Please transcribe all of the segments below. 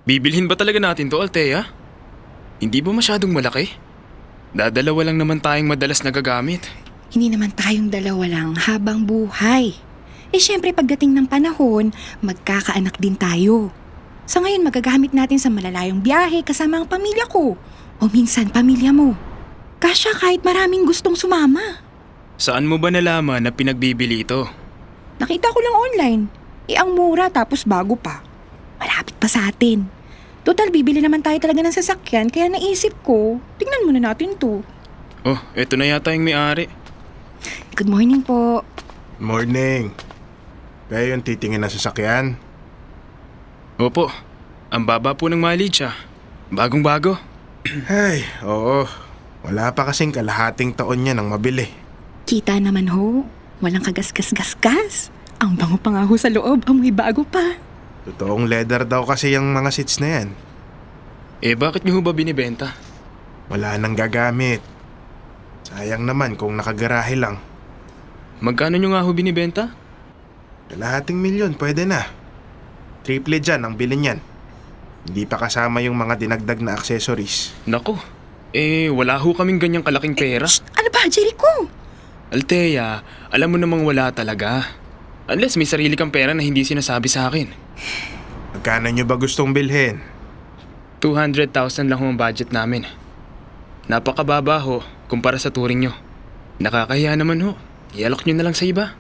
Bibilhin ba talaga natin to, Althea? Hindi ba masyadong malaki? Dadalawa lang naman tayong madalas nagagamit. Hindi naman tayong dalawa lang habang buhay. Syempre pagdating ng panahon, magkakaanak din tayo. Sa ngayon magagamit natin sa malalayong biyahe kasama ang pamilya ko. O minsan pamilya mo. Kasya kahit maraming gustong sumama. Saan mo ba nalaman na pinagbibili ito? Nakita ko lang online. Ang mura tapos bago pa. Malapit pa sa atin. Total bibili naman tayo talaga ng sasakyan kaya naisip ko, tingnan muna natin to. Oh, eto na yata yung may-ari. Good morning po. Morning. Kaya yung titingin na sasakyan? Opo, ang baba po ng mileage ah. Bagong-bago. Ay, oo. Wala pa kasing kalahating taon niya nang mabili. Kita naman ho, walang kagas-gas-gas-gas. Ang bango pa nga ho sa loob, amoy bago pa. Totoong leather daw kasi yung mga seats na yan. Eh bakit niyo ho ba binibenta? Wala nang gagamit. Sayang naman kung nakagarahe lang. Magkano niyo nga ho binibenta? Kalahating milyon, pwede na. Triple dyan ang bilhin yan. Hindi pa kasama yung mga dinagdag na accessories. Nako, wala ho kaming ganyang kalaking pera. Ano ba, Jericho? Althea, alam mo namang wala talaga. Unless may sarili kang pera na hindi sinasabi sa akin. Magkano nyo ba gustong bilhin? 200,000 lang ho ang budget namin. Napakababa ho kumpara sa turing nyo. Nakakahiya naman ho. Ialok nyo na lang sa iba.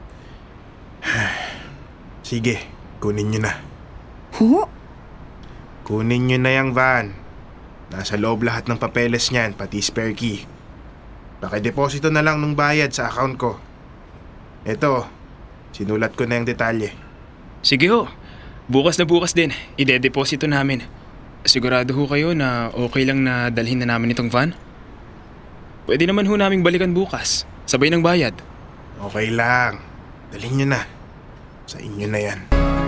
Sige, kunin nyo na. Ho? Kunin nyo na yung van. Nasa loob lahat ng papeles niyan, pati spare key. Pakideposito na lang ng bayad sa account ko. Eto, sinulat ko na yung detalye. Sige ho. Bukas na bukas din, ide-deposito namin. Sigurado ho kayo na okay lang na dalhin na namin itong van? Pwede naman ho naming balikan bukas. Sabay ng bayad. Okay lang. Dalhin nyo na. Sa inyo na yan.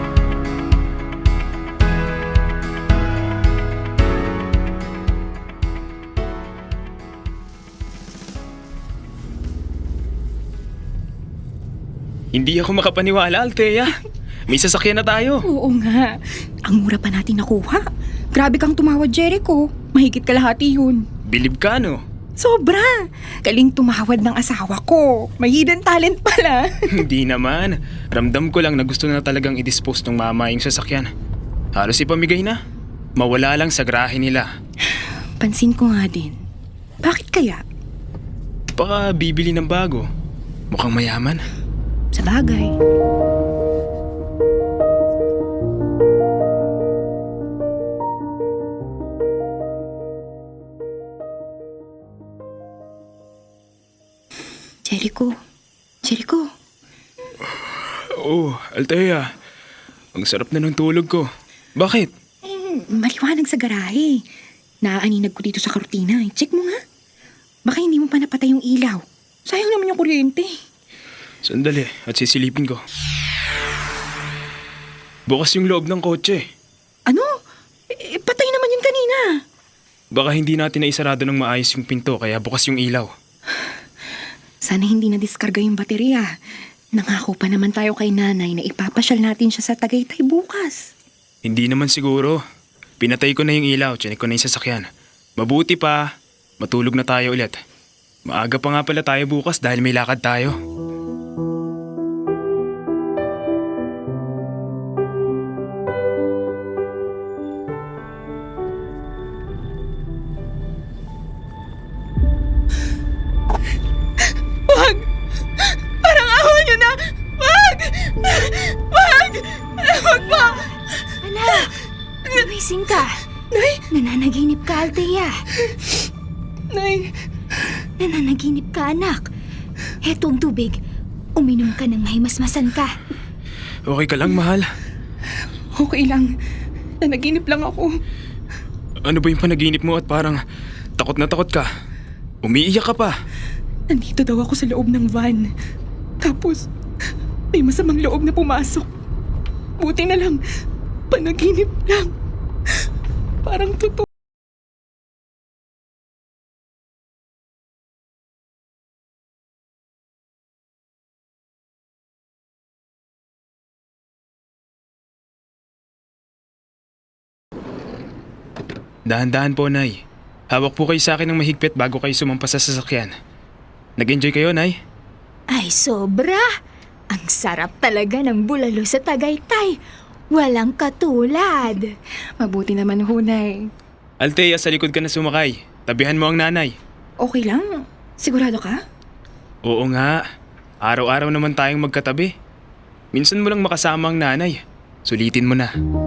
Hindi ako makapaniwala, Althea. May sasakyan na tayo. Oo nga. Ang mura pa natin nakuha. Grabe kang tumawad, Jericho. Mahigit kalahati yun. Bilib ka, no? Sobra! Galing tumawad ng asawa ko. May hidden talent pala. Hindi naman. Ramdam ko lang na gusto na talagang i-dispose ng mama yung sasakyan. Halos ipamigay na. Mawala lang sa garahe nila. Pansin ko nga din. Bakit kaya? Baka bibili ng bago. Mukhang mayaman. Sa bagay. Jericho. Jericho. Oh, Althea. Ang sarap na ng tulog ko. Bakit? Maliwanag sa garahe. Naaaninag ko dito sa kortina. Check mo nga. Baka hindi mo pa napatay yung ilaw. Sayang naman yung kuryente. Sandali at sisilipin ko. Bukas yung loob ng kotse. Ano? Patay naman yun kanina. Baka hindi natin naisarado ng maayos yung pinto kaya bukas yung ilaw. Sana hindi na-diskarga yung baterya. Nangako pa naman tayo kay nanay na ipapasyal natin siya sa Tagaytay bukas. Hindi naman siguro. Pinatay ko na yung ilaw, tiyanik ko na yung sasakyan. Mabuti pa, matulog na tayo ulit. Maaga pa nga pala tayo bukas dahil may lakad tayo. Wag! Parang awa niyo na! Wag! Wag! Wag po! Anak, gumising ka. Nay! Nananaginip ka, Althea. Nay! Nananaginip ka, anak. Heto ang tubig. Uminom ka ng mahimasmasan ka. Okay ka lang, mahal? Okay lang. Nanaginip lang ako. Ano ba yung panaginip mo at parang takot na takot ka? Umiiyak ka pa. Nandito daw ako sa loob ng van. Tapos, may masamang loob na pumasok. Buti na lang, panaginip lang. Parang totoo. Dahan-dahan po, Nay. Hawak po kayo sa akin ng mahigpit bago kayo sumampas sa sasakyan. Nag-enjoy kayo, Nay? Ay, sobra! Ang sarap talaga ng bulalo sa Tagaytay. Walang katulad. Mabuti naman ho, Nay. Althea, sa likod ka na sumakay. Tabihan mo ang nanay. Okay lang? Sigurado ka? Oo nga. Araw-araw naman tayong magkatabi. Minsan mo lang makasama ang nanay. Sulitin mo na.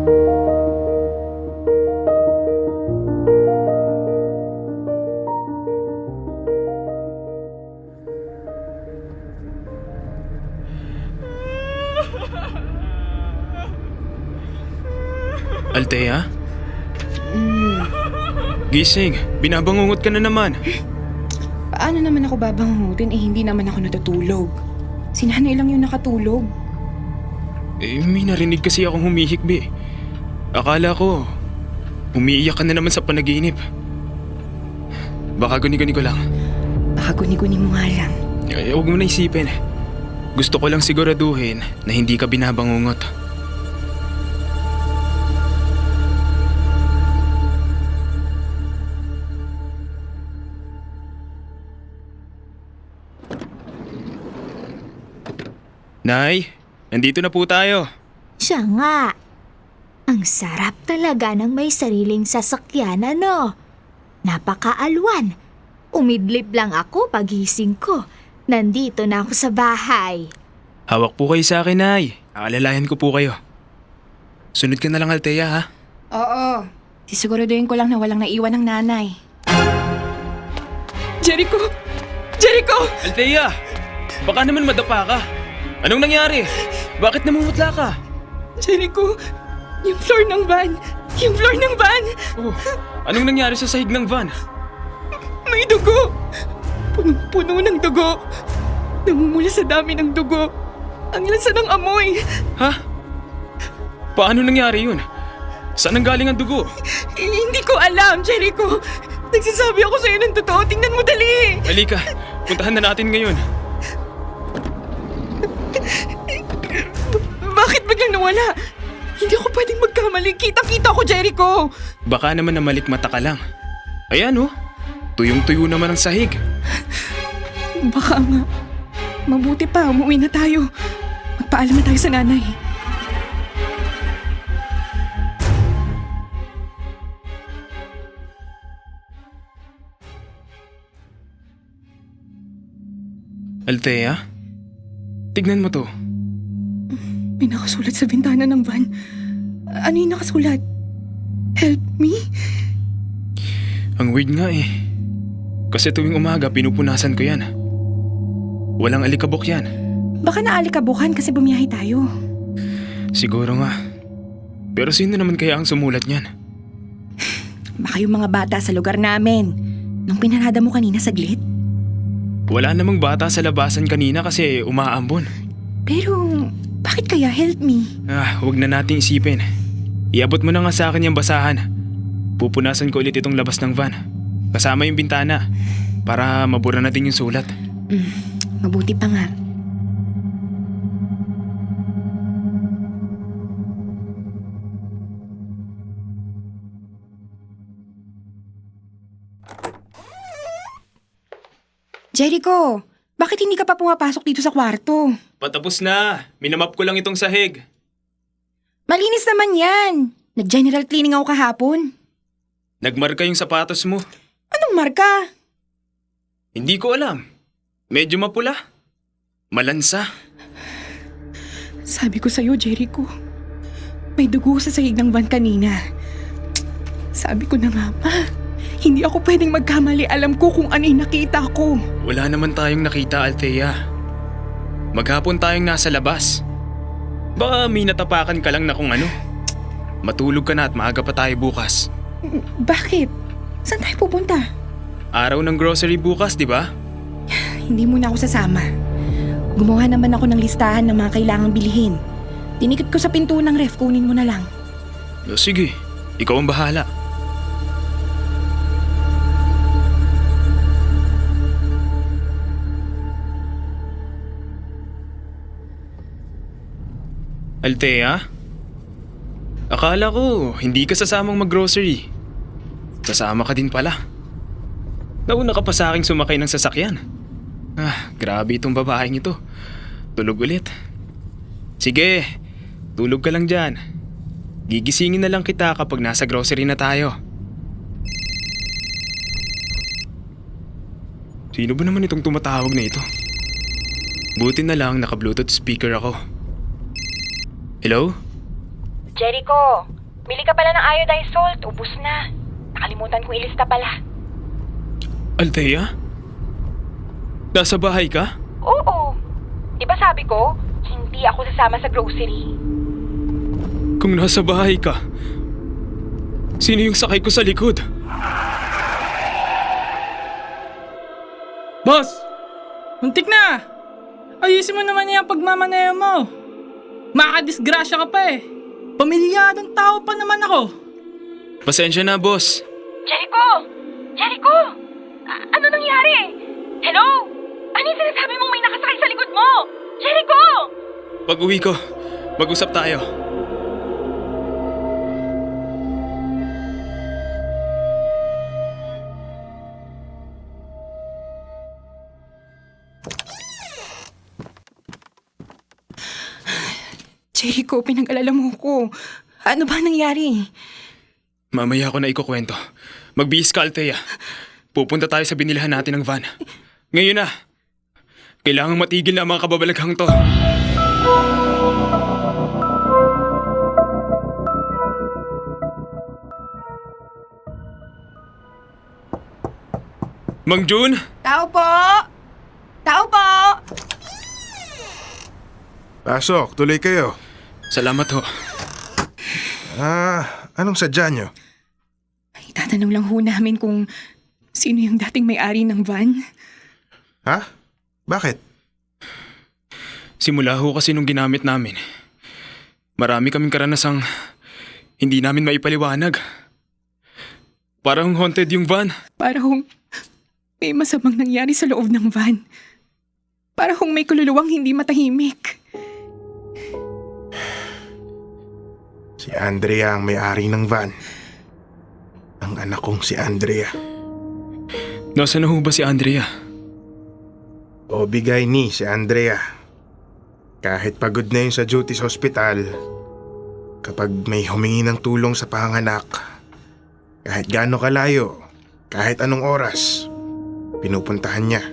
Althea? Gising, binabangungot ka na naman. Paano naman ako babangutin hindi naman ako natutulog? Si nanay lang yung nakatulog. May narinig kasi akong humihikbi. Akala ko, umiiyak ka na naman sa panaginip. Baka guni-guni ko lang. Baka guni-guni mo nga lang. Huwag mo na isipin. Gusto ko lang siguraduhin na hindi ka binabangungot. Nay, nandito na po tayo. Siya nga. Ang sarap talaga ng may sariling sasakyan, ano? Napakaalwan. Umidlip lang ako pagising ko. Nandito na ako sa bahay. Hawak po kayo sa akin, Nay. Aalalayan ko po kayo. Sunod ka na lang, Althea, ha? Oo. Sisiguraduhin ko lang na walang naiwan ng nanay. Jericho! Jericho! Althea! Baka naman madapa ka. Anong nangyari? Bakit namumutla ka? Jericho! Yung floor ng van! Yung floor ng van! Oh, anong nangyari sa sahig ng van? May dugo! Punong-puno ng dugo! Namumula sa dami ng dugo! Ang lansa ng amoy! Ha? Paano nangyari yun? Saan ang galing ang dugo? Hindi ko alam, Jericho! Nagsasabi ako sa'yo ng totoo. Tingnan mo dali! Halika, puntahan na natin ngayon. Bakit biglang nawala? Hindi ako pwedeng magkamali. Kita-kita ko, Jericho! Baka naman namalikmata ka lang. Ayan oh, tuyong-tuyo naman ang sahig. Baka nga. Mabuti pa, umuwi na tayo. Magpaalam na tayo sa nanay. Althea, tignan mo to. May nakasulat sa bintana ng van. Ano yung nakasulat? Help me? Ang weird nga eh. Kasi tuwing umaga pinupunasan ko yan. Walang alikabok yan. Baka naalikabukan kasi bumiyahe tayo. Siguro nga. Pero sino naman kaya ang sumulat niyan? Baka yung mga bata sa lugar namin. Nung pinarada mo kanina saglit. Wala namang bata sa labasan kanina kasi umaambon. Pero, bakit kaya help me? Huwag na nating isipin. Iabot mo na nga sa akin yung basahan. Pupunasan ko ulit itong labas ng van. Kasama yung bintana. Para mabura na din yung sulat. Mabuti pa nga. Jericho, bakit hindi ka pa pumapasok dito sa kwarto? Patapos na. Minamap ko lang itong sahig. Malinis naman yan. Nag-general cleaning ako kahapon. Nagmarka yung sapatos mo. Anong marka? Hindi ko alam. Medyo mapula. Malansa. Sabi ko sa'yo, Jericho. May dugo sa sahig ng van kanina. Sabi ko na nga pa. Hindi ako pwedeng magkamali. Alam ko kung ano yung nakita ko. Wala naman tayong nakita, Althea. Maghapon tayong nasa labas. Baka may natapakan ka lang na kung ano. Matulog ka na at maaga pa tayo bukas. Bakit? Saan tayo pupunta? Araw ng grocery bukas, di ba? Hindi mo na ako sasama. Gumawa naman ako ng listahan ng mga kailangang bilhin. Tinikot ko sa pinto ng ref, kunin mo na lang. Sige, ikaw ang bahala. Althea? Akala ko hindi ka sasamang mag-grocery. Sasama ka din pala. Nauna ka pa sa aking sumakay ng sasakyan. Grabe itong babaeng ito. Tulog ulit. Sige, tulog ka lang dyan. Gigisingin na lang kita kapag nasa grocery na tayo. Sino ba naman itong tumatawag na ito? Buti na lang naka-bluetooth speaker ako. Hello? Jericho, bili ka pala ng iodized salt. Ubus na. Nakalimutan kong ilista pala. Althea? Nasa bahay ka? Oo. Di ba sabi ko, hindi ako sasama sa grocery. Kung nasa bahay ka, sino yung sakay ko sa likod? Boss! Muntik na! Ayusin mo naman yung pagmamaneho mo. Makadisgrasya ka pa eh. Pamilyadong tao pa naman ako. Pasensya na, boss. Jericho! Jericho! Ano nangyari? Hello? Ano yung sinasabi mong may nakasakay sa likod mo? Jericho! Pag uwi ko, mag-usap tayo. Jericho, pinag-alala mo ko. Ano ba nangyari? Mamaya ko na ikukwento. Magbihis ka, Althea. Pupunta tayo sa binilhan natin ng van. Ngayon na. Kailangang matigil na ang mga kababalaghang to. Mang Jun? Tao po! Tao po! Pasok, tuloy kayo. Salamat ho. Anong sadya nyo? Itatanong lang ho namin kung sino yung dating may-ari ng van. Ha? Bakit? Simula ho kasi nung ginamit namin, marami kaming karanasang hindi namin maipaliwanag. Parang haunted yung van. Para hong may masamang nangyari sa loob ng van. Para hong may kululuwang hindi matahimik. Si Andrea ang may-ari ng van. Ang anak kong si Andrea. Nasaan na ho ba si Andrea? O bigay ni si Andrea. Kahit pagod na yun sa duty sa hospital, kapag may humingi ng tulong sa panganganak, kahit gaano kalayo, kahit anong oras, pinupuntahan niya.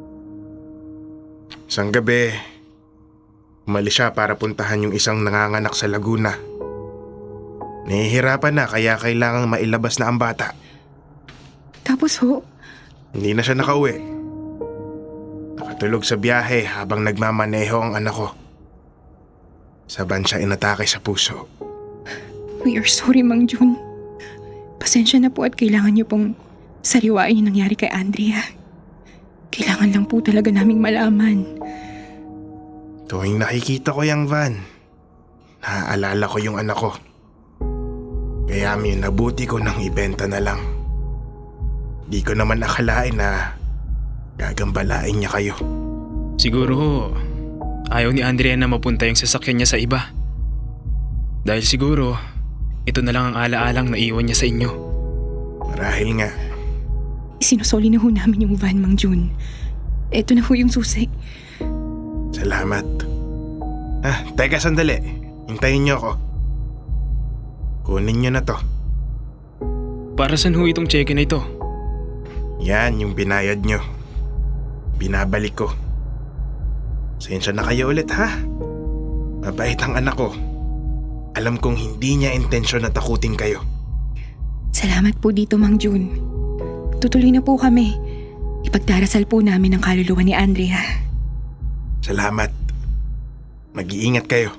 Isang gabi, umalis siya para puntahan yung isang nanganganak sa Laguna. Nahihirapan na kaya kailangang mailabas na ang bata. Tapos ho, Hindi na siya nakauwi. Nakatulog sa biyahe habang nagmamaneho ang anak ko. Saban siya inatake sa puso. we are sorry, Mang Jun. Pasensya na po at kailangan niyo pong sariwain yung nangyari kay Andrea. Kailangan lang po talaga naming malaman. Tuwing nakikita ko yung van, naaalala ko yung anak ko. Kaya nabuti ko nang ibenta na lang. Di ko naman akalain na gagambalain niya kayo. Siguro ho, ayaw ni Andrea na mapunta yung sasakyan niya sa iba. Dahil siguro, ito na lang ang alaalang naiwan niya sa inyo. Marahil nga. Sinusoli na ho namin yung van, Mang Jun. Eto na ho yung susi. Salamat. Teka sandali. Hintayin niyo ako. Kunin niyo na to. Para saan ho itong cheque na ito? Yan yung binayad niyo. Binabalik ko. Sensya na kayo ulit ha. Mabait ang anak ko. Alam kong hindi niya intensyon na takutin kayo. Salamat po dito, Mang Jun. Tutuloy na po kami. Ipagdarasal po namin ang kaluluwa ni Andrea. Salamat. Mag-iingat kayo.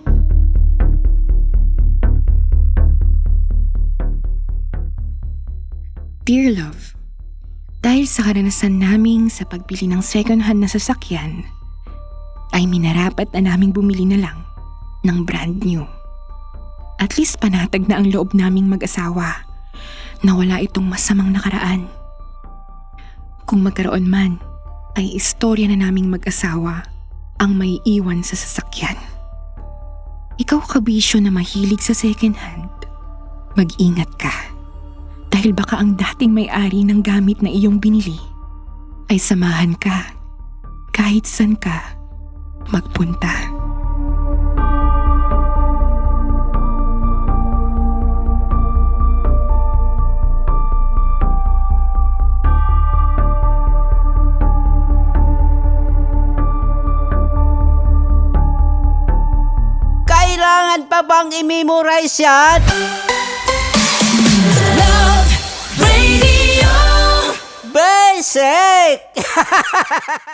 Dear Love, dahil sa karanasan naming sa pagbili ng second-hand na sasakyan, ay minarapat na naming bumili na lang ng brand new. At least panatag na ang loob naming mag-asawa na wala itong masamang nakaraan. Kung magkaroon man, ay istorya na naming mag-asawa ang may iwan sa sasakyan. Ikaw kabisyo na mahilig sa second-hand, mag-ingat ka. Dahil Dahil baka ang dating may-ari ng gamit na iyong binili ay samahan ka kahit saan ka magpunta. Kailangan pa bang i-memorize yan? Love Radio. Basic!